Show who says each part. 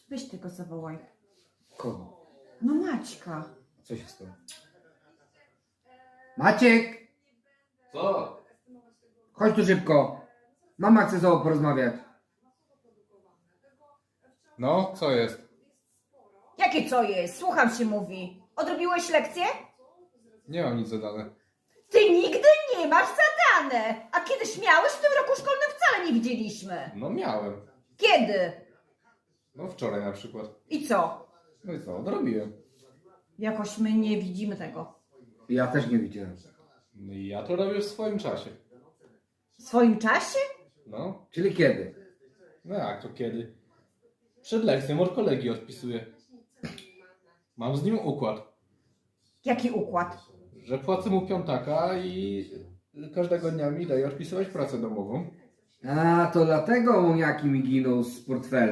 Speaker 1: Weź tego zawołaj.
Speaker 2: Kogo?
Speaker 1: No Maćka.
Speaker 2: Co się stało? Maciek!
Speaker 3: Co?
Speaker 2: Chodź tu szybko. Mama chce z tobą porozmawiać.
Speaker 3: No, co jest?
Speaker 1: Jakie co jest? Słucham się mówi. Odrobiłeś lekcję?
Speaker 3: Nie mam nic zadane.
Speaker 1: Ty nigdy nie masz zadane. A kiedyś miałeś? W tym roku szkolnym wcale nie widzieliśmy.
Speaker 3: No miałem.
Speaker 1: Kiedy?
Speaker 3: No wczoraj na przykład.
Speaker 1: I co?
Speaker 3: No i co? Odrobiłem.
Speaker 1: Jakoś my nie widzimy tego.
Speaker 2: Ja też nie widziałem.
Speaker 3: No i ja to robię w swoim czasie.
Speaker 1: W swoim czasie?
Speaker 3: No.
Speaker 2: Czyli kiedy?
Speaker 3: No jak to kiedy? Przed lekcją od kolegi odpisuję. Mam z nim układ,
Speaker 1: Jaki układ?
Speaker 3: że płacę mu piątaka i każdego dnia mi daje odpisywać pracę domową.
Speaker 2: A, to dlatego muniaki mi giną z portfela.